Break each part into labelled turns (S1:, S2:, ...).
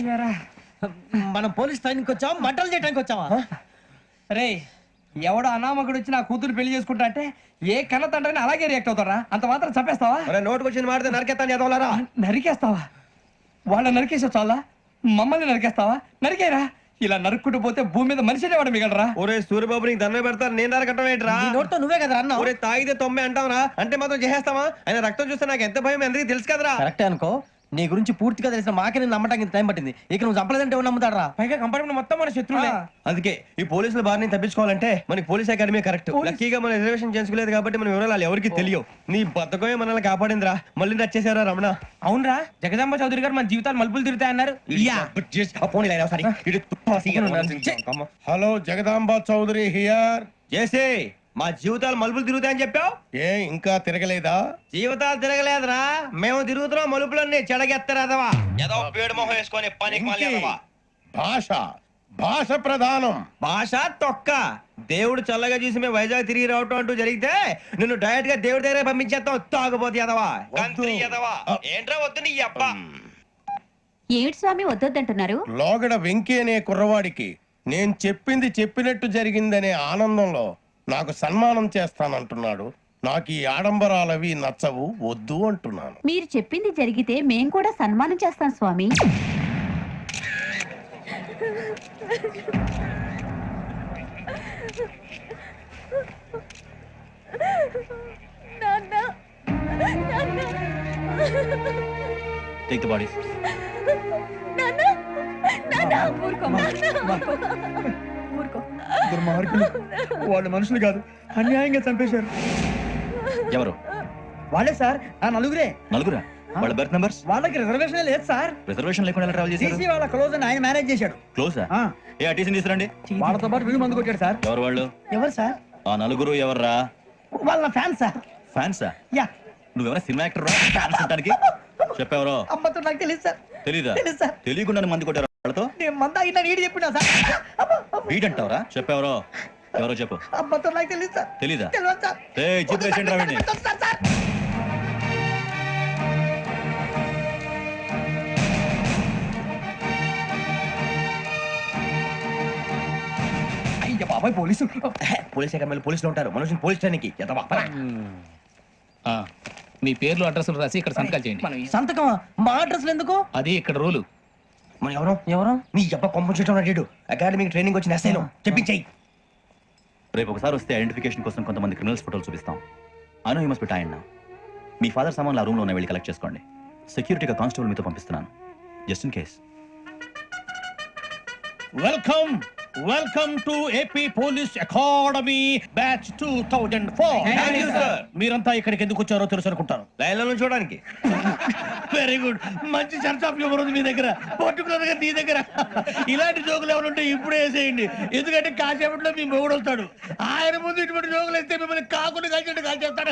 S1: మనం police training వచ్చావా మంటలు చేయడానికి వచ్చావా?
S2: రే ఎవడో అనామకుడు వచ్చి నా కూతురు పెళ్లి చేసుకుంటా అంటే ఏ కన్న తండ్రిని అలాగే రియాక్ట్ అవుతారా? అంత మాత్రం చంపేస్తావా?
S3: నోటుకు వచ్చింది మాడితే నరికేస్తాను చదవాలరా.
S2: నరికేస్తావా? వాళ్ళ నరికేసావు చాలా, మమ్మల్ని నరికేస్తావా? నరికేరా. ఇలా నరుక్కుంటూ పోతే భూమి మీద మనిషినే వాడు మిగలరా.
S3: ఒరే సూర్యబాబు నీకు దండం పెడతాను, నేను నరకటం ఏంట్రా?
S1: నీ నోటితో నువ్వే కదా అన్నావు.
S3: ఒరే తాగితే తొమ్మే అంటావురా, అంటే మాత్రం చేసేస్తావా? ఆయన రక్తం చూస్తే నాకు ఎంత భయం అందరికీ తెలుసు కదరా.
S1: కరెక్టే అనుకో, నీ గురించి పూర్తిగా తెలిసిన మాకే నేను నమ్మటానికి ఇంత టైం పట్టింది. ఇక నువ్వు చంపలేదంటే ఎవరు నమ్ముతాడరా?
S2: పైగా కంపార్ట్మెంట్ మొత్తం మన శత్రువులే.
S3: అందుకే ఈ పోలీసుల బారి నుంచి తప్పించుకోవాలంటే మనకి పోలీస్ అకాడమీ కరెక్ట్. లక్కీగా మనం రిజర్వేషన్ చేసుకోలేదు కాబట్టి మనం వివరాలు ఎవరికి తెలియవు. నీ బతకమే మనల్ని కాపాడిందిరా. మళ్ళీ నచ్చేసారా రమణ?
S2: అవునరా, జగదాంబ చౌదరి గారు మన జీవితాలు మలుపులు తిరుగుతాయన్నారు.
S4: Hello, Jagadamba Chowdary here.
S3: చేసే మా జీవితాలు మలుపులు తిరుగుతాయని చెప్పావు.
S4: ఏ ఇంకా తిరగలేదా?
S3: జీవితాలు తిరగలేదురా, మేము తిరుగుతున్నాం మలుపులన్నీ. చెడగెత్తరాదవా ఏదో పేడు మొహం వేసుకొని పని
S4: భాష భాష ప్రధానం. భాష
S3: తొక్క. దేవుడు చల్లగా చూసి మేము వైజాగ్ తిరిగి రావటం అంటూ జరిగితే నిన్ను డైరెక్ట్ గా దేవుడి దగ్గర పంపించేస్తాం. తాగుపోతే ఎదవా, గంత్రి ఎదవా. ఏంట్రా వద్దు నీ అబ్బా.
S5: ఏమిటి స్వామి వద్దొద్దంటున్నారు?
S4: లోగడ వెంకీ అనే కుర్రవాడికి నేను చెప్పింది చెప్పినట్టు జరిగిందనే ఆనందంలో నాకు సన్మానం చేస్తానంటున్నాడు. నాకు ఈ ఆడంబరాలవి నచ్చవు, వద్దు అంటున్నాను.
S5: మీరు చెప్పింది జరిగితే మేం కూడా సన్మానం చేస్తాం స్వామి.
S6: Take the bodies.
S2: దుర్మార్గులు, వాళ్ళు మనుషులు కాదు, అన్యాయంగా చంపేశారు.
S6: ఎవరు?
S2: వాళ్ళే సార్, ఆ నలుగురే.
S6: నలుగురా? వాళ్ళ బర్త్ నంబర్స్?
S2: వాళ్ళకి రిజర్వేషన్ లేదు సార్.
S6: రిజర్వేషన్ లేకుండా ట్రావెల్ చేశారు?
S2: టీసీ వాళ్ళ క్లోజ్ అని ఆయన మేనేజ్ చేశాడు.
S6: క్లోజా? ఏ టీసీని తీసుకురండి.
S2: వాళ్ళతో పాటు వీళ్ళు మందు కొట్టాడు సార్.
S6: ఎవరు వాళ్ళు?
S2: ఎవరు సార్?
S6: ఆ నలుగురు ఎవర్రా?
S2: వాళ్ళ ఫ్యాన్స్ సార్.
S6: ఫ్యాన్సా?
S2: యా.
S6: నువ్వెవరా సినిమా యాక్టర్ రా? ఫ్యాన్స్ అంటానికి చెప్పెవరో?
S2: అమ్మతో నాకు తెలియదు సార్.
S6: తెలీదా?
S2: తెలుసు సార్.
S6: తెలియకుండా మంది కొట్టారు వాళ్ళతో?
S2: నేను మంద అయినా నీడి చెప్పినా సార్.
S6: వీడంటావరా? చెప్పెవరో? ఎవరో చెప్పు.
S2: అమ్మతో నాకు తెలియదు సార్.
S6: తెలీదా?
S2: తెలియదు సార్.
S6: చెప్పేసి రావండి.
S2: అయ్య బాబాయ్, పోలీసు.
S3: పోలీస్ అకాడమీలో పోలీసులు ఉంటారు, మనుషులు పోలీస్ ట్రైనింగ్కి ఎదవా.
S7: మీ పేర్లు అడ్రస్లు రాసి ఇక్కడ సంతకాలు చేయండి.
S1: సంతకమా? మా అడ్రస్లు ఎందుకు?
S7: అది ఇక్కడ రూలు.
S3: మనం ఎవరు
S1: ఎవరు?
S3: నీ అబ్బా పంపించడం అడిగాడు. అకాడమీకి ట్రైనింగ్ వచ్చిన ఎస్ఐలో చెప్పించాయి.
S6: రేపు ఒకసారి వస్తే ఐడెంటిఫికేషన్ కోసం కొంతమంది క్రిమినల్స్ ఫోటోలు చూపిస్తాం. Anu you must be tired now. మీ ఫాదర్ సామాన్లు ఆ రూమ్లో ఉన్న వెళ్ళి కలెక్ట్ చేసుకోండి. సెక్యూరిటీగా కానిస్టేబుల్ మీతో పంపిస్తున్నాను, just in case.
S4: Welcome welcome to AP police academy batch 2004. మీరంతా ఇక్కడికి ఎందుకు వచ్చారో తెలుసు అనుకుంటాను.
S3: లైన్లో చూడడానికి.
S4: వెరీ గుడ్, మంచి సెన్స్ ఆఫ్ హ్యూమర్ ఉంది మీ దగ్గర, పర్టికులర్ గా నీ దగ్గర. ఇలాంటి జోకులు ఎవరు ఉంటే ఇప్పుడే వేసేయండి, ఎందుకంటే కాసేపట్లో మీ మొగుడు వస్తాడు. ఆయన ముందు ఇటువంటి జోకులు వేస్తే మిమ్మల్ని కాకుండా కాల్చేట్టు కాల్చేస్తాడు.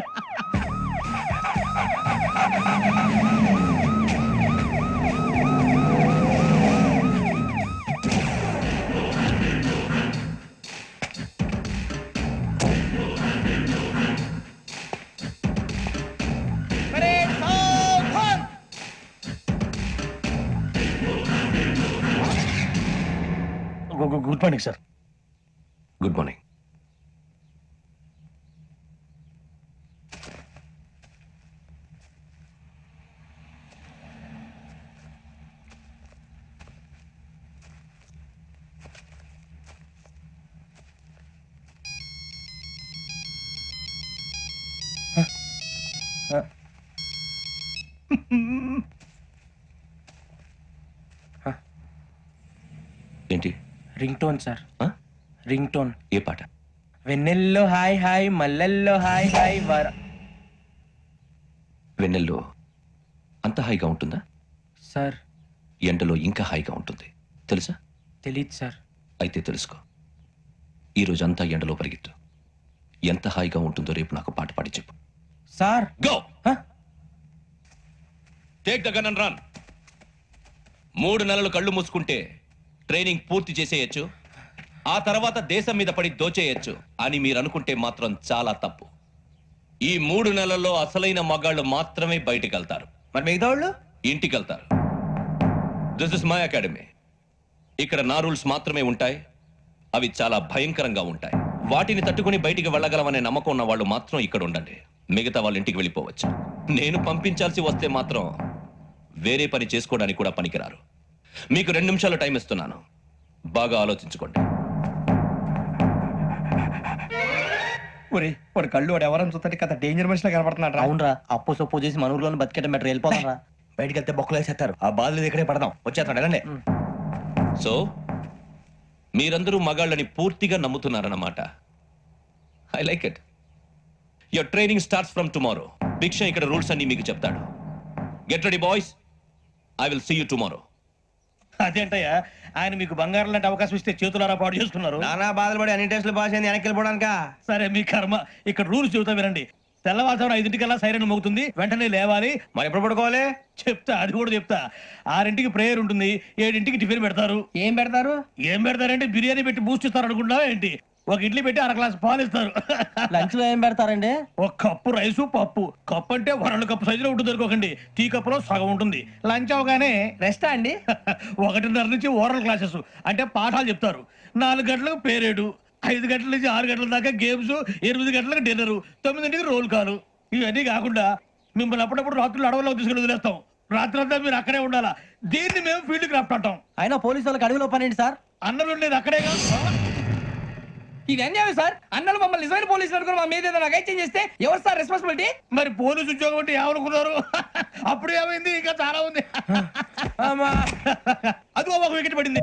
S4: Good morning sir.
S3: Good morning. ఏంటి?
S2: Ring tone sir. Ring tone.
S3: ఏ పాట?
S2: వెన్నెల్లో హాయ్ హాయ్, మల్లెల్లో హాయ్ హాయ్.
S3: వెన్నెల్లో అంత హాయిగా ఉంటుందా
S2: సార్?
S3: ఎండలో ఇంకా హాయిగా ఉంటుంది తెలుసా?
S2: తెలీదు సార్.
S3: అయితే తెలుసుకో. ఈరోజు అంతా ఎండలో పరిగెత్తు. ఎంత హాయిగా ఉంటుందో రేపు నాకు పాట పాడి చెప్పు.
S2: Sir
S3: go. Take the gun and run. 3 నెలలు కళ్ళు మూసుకుంటే ట్రైనింగ్ పూర్తి చేసేయచ్చు, ఆ తర్వాత దేశం మీద పడి దోచేయచ్చు అని మీరు అనుకుంటే మాత్రం చాలా తప్పు. ఈ 3 నెలల్లో అసలైన మగాళ్ళు మాత్రమే బయటికి వెళ్తారు.
S2: మరి మిగతా వాళ్ళు
S3: ఇంటికి వెళ్తారు. This is my academy. ఇక్కడ నా రూల్స్ మాత్రమే ఉంటాయి. అవి చాలా భయంకరంగా ఉంటాయి. వాటిని తట్టుకుని బయటికి వెళ్ళగలమనే నమ్మకం ఉన్న వాళ్ళు మాత్రం ఇక్కడ ఉండండి. మిగతా వాళ్ళ ఇంటికి వెళ్ళిపోవచ్చు. నేను పంపించాల్సి వస్తే మాత్రం వేరే పని చేసుకోవడానికి కూడా పనికిరారు. మీకు 2 నిమిషాలు టైం ఇస్తున్నాను. బాగా ఆలోచించుకోండి.
S2: ఒరే వాడు కళ్ళు వాడు ఎవరైనా చూస్తే కదా డేంజర్ మనిషిలో కనపడుతున్నాడు రా.
S1: అవునరా, అప్పు సొప్పు చేసి మన ఊర్లో బతికేట మెట్రో వెళ్ళిపోతాం రా.
S4: బయటికి వెళ్తే బొక్కలు వేసేస్తారు. ఆ బాధలు ఇక్కడే పడదాం. వచ్చేస్తాడు వెళ్ళండి.
S3: సో మీరందరూ మగాళ్ళని పూర్తిగా నమ్ముతున్నారన్నమాట. I like it. Your training starts from tomorrow. Bhiksha ఇక్కడ రూల్స్ అన్ని మీకు చెప్తాడు. Get ready boys. I will see you tomorrow.
S4: అదేంటయ్యా, ఆయన మీకు బంగారం లాంటి అవకాశం ఇస్తే చేతులారా పాటు చేసుకున్నారు.
S1: నానా బాధలు పడి అన్ని టెస్టులు పాస్ అయింది, వెనక్కి వెళ్ళిపోవడానికా?
S4: సరే మీ కర్మ. ఇక్కడ రూల్స్ చెబుతా వినండి. తెల్లవారుజామున 5 సైరన్ మోగుతుంది, వెంటనే లేవాలి.
S1: మరి ఎప్పుడు పడుకోవాలి?
S4: చెప్తా, అది కూడా చెప్తా. 6 ప్రేయర్ ఉంటుంది, 7 టిఫిన్ పెడతారు.
S2: ఏం పెడతారు?
S4: ఏం పెడతారంటే బిర్యానీ పెట్టి బూస్ట్ ఇస్తారు అనుకుంటావా ఏంటి? ఒక ఇడ్లీ పెట్టి 1 గ్లాస్ పాలు ఇస్తారు.
S1: లంచ్ లో ఏం పెడతారండి?
S4: ఒక కప్పు రైసు పప్పు. కప్పు అంటే 2 కప్పు సైజులో ఉంటుంది అనుకోకండి. టీ కప్పులో సగం ఉంటుంది. లంచ్ అవగానే
S2: రెస్టా అండి?
S4: 1:30 నుంచి ఓరల్ క్లాసెస్ అంటే పాఠాలు చెప్తారు. 4 గంటలకు పేరేడు, 5 గంటల నుంచి 6 గంటల దాకా గేమ్స్, 8 గంటలకు డిన్నర్, 9 రోల్ కాలు. ఇవన్నీ కాకుండా మిమ్మల్ని అప్పుడప్పుడు రాత్రులు అడవుల్లో తీసుకుని వదిలేస్తాం. రాత్రి అంతా మీరు అక్కడే ఉండాలా. దీన్ని మేము ఫీల్డ్ క్రాఫ్ట్ అంటాం.
S1: అయినా పోలీసు వాళ్ళకి అడవిలో పని ఏంటి సార్?
S4: అన్నం ఉండేది అక్కడే కాదు.
S2: ఇది అన్యాయం సార్. అన్నలు మమ్మల్ని నిజమైన పోలీసులు అనుకుని మా మీద ఏదైనా అగైత్యం చేస్తే ఎవరు సార్ రెస్పాన్సిబిలిటీ?
S4: మరి పోలీసు ఉద్యోగం అంటే ఏమనుకున్నారు? అప్పుడు ఏమైంది? ఇంకా చాలా ఉంది. అదిగో ఒక వికెట్ పడింది.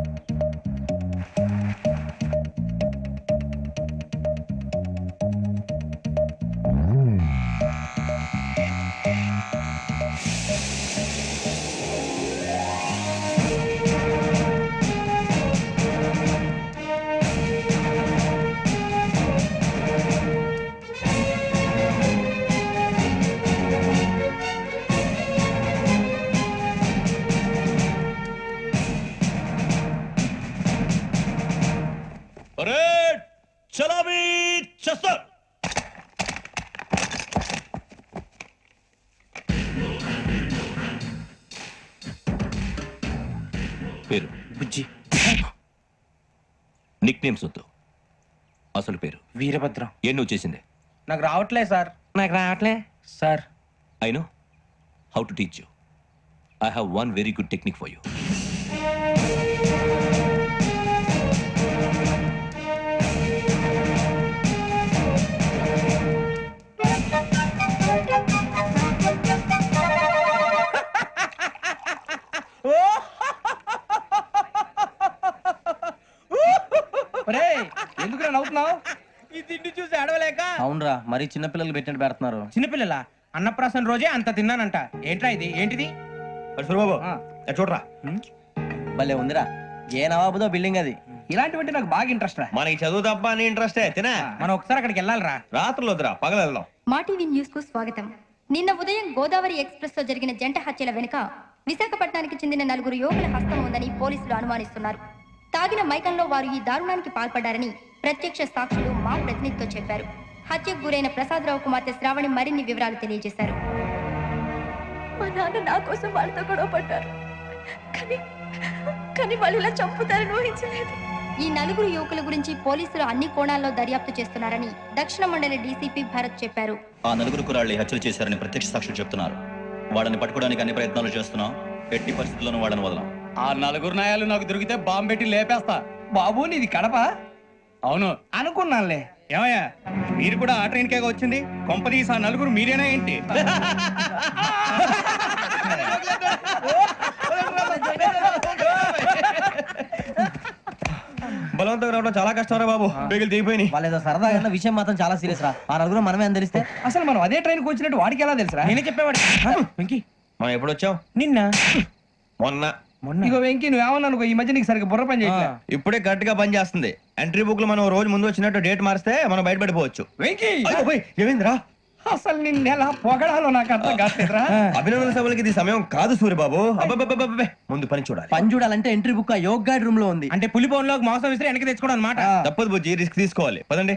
S3: అరే చలామీ చేస్తారు. పేరు
S1: బుజ్జి.
S3: నిక్ నేమ్స్ వద్దు. అసలు పేరు
S1: వీరభద్రం.
S3: ఏం నువ్వు చేసింది?
S2: నాకు రావట్లే సార్.
S1: నాకు రావట్లే sir.
S3: I know how to teach you. I have one very good technique for you.
S2: ఎందుకు నవ్వుతున్నావు?
S8: ఈ తిండి చూసి అడవలేక.
S1: అవునరా, మరి చిన్నపిల్లలు పెట్టినట్టు పెడుతున్నారు.
S8: చిన్నపిల్లల అన్నప్రాసన రోజే అంత తిన్నానంట. ఏంట్రా ఇది? ఏంటిది?
S4: సూరిబాబు చూడరా.
S1: భలే ఉందిరా. ఏ నవాబుదో బిల్డింగ్ అది.
S2: ఇలాంటివంటే నాకు బాగా ఇంట్రెస్ట్ రా.
S4: మనకి చదువు తప్ప అని ఇంట్రెస్టే. తినా
S8: మనం ఒకసారి అక్కడికి వెళ్ళాలిరా.
S4: రాత్రులు వద్దురా, పగలు వెళ్దాం.
S9: మా టీవీ న్యూస్ కు స్వాగతం. నిన్న ఉదయం గోదావరి ఎక్స్ప్రెస్ లో జరిగిన జంట హత్యల వెనుక విశాఖపట్నానికి చెందిన 4 యువకుల హస్తం ఉందని పోలీసులు అనుమానిస్తున్నారు. తాగిన మైకంలో వారు ఈ దారుణానికి పాల్పడ్డారని ప్రత్యక్ష సాక్షులు మా ప్రతినిధితో చెప్పారు. హత్యకు గురైన ప్రసాదరావు కుమార్తె శ్రావణి మరిన్ని వివరాలు తెలియజేశారు.
S5: మా నాన్న నా కోసం వాళ్ళతో గొడవ పడ్డారు, కానీ వాళ్ళు ఇలా చంపుతారని ఊహించలేదు.
S9: ఈ 4 యువకుల గురించి పోలీసులు అన్ని కోణాల్లో దర్యాప్తు చేస్తున్నారని దక్షిణ మండలి డీసీపీ భరత్ చెప్పారు.
S6: ఆ 4 కుర్రాళ్ళు హత్యలు చేశారని ప్రత్యక్ష సాక్షులు చెప్తున్నారు. వాళ్ళని పట్టుకోవడానికి అన్ని ప్రయత్నాలు చేస్తున్నాం. ఎట్టి పరిస్థితుల్లోనూ వాళ్ళని వదలం.
S2: ఆ 4 నాయాలు నాకు దొరికితే బాంబు పెట్టి లేపేస్తా. బాబు నీది కడప? అవును అనుకున్నానులే.
S8: ఏమయ్యా, మీరు కూడా ఆ ట్రైన్ కేగా వచ్చింది? కొంపదీసి ఆ 4 మీరేనా ఏంటి?
S1: బలవంతంగా రావడం చాలా కష్టం రా బాబు. బేగులు దిగిపోయినాయి. వాళ్ళు ఏదో సరదాగా అన్న విషయం మాత్రం చాలా సీరియస్ రా. ఆ 4 మనమే అని తెలిస్తే
S2: అసలు మనం అదే ట్రైన్కి వచ్చినట్టు వాడికి ఎలా తెలుసురా?
S8: నేనే చెప్పేవాడు. వెంకీ,
S1: మనం ఎప్పుడు వచ్చాం?
S8: నిన్న
S1: మొన్న.
S2: ఇగో వెంకీ నువ్వేమన్నా అనుకో, ఈ మధ్య నీకు సరిగ్గా బుర్ర పని చేయట్లే.
S1: ఇప్పుడే కరెక్ట్ గా పని చేస్తుంది. ఎంట్రీ బుక్ లో మనం రోజు ముందు వచ్చినట్టు డేట్ మారిస్తే మనం బయటపడిపోవచ్చు.
S2: వెంకీ
S1: ఏమైందిరా?
S2: అసలు నిన్న ఎలా పొగడాలో నాకు అర్థం కాట్లేదురా.
S1: అభినందన సభలకి ఇది సమయం కాదు సూర్యబాబు. అబ్బబ్బబ్బబ్బబ్బే. ముందు పని చూడాలి. పని చూడాలంటే ఎంట్రీ బుక్ యోగ్ గైడ్ రూమ్ లో ఉంది.
S8: అంటే పులి బోన్లోకి మాంసం విసిరి వెనక్కి తెచ్చుకోవడం అనమాట.
S1: తప్పదు బుజ్జి, రిస్క్ తీసుకోవాలి. పదండి.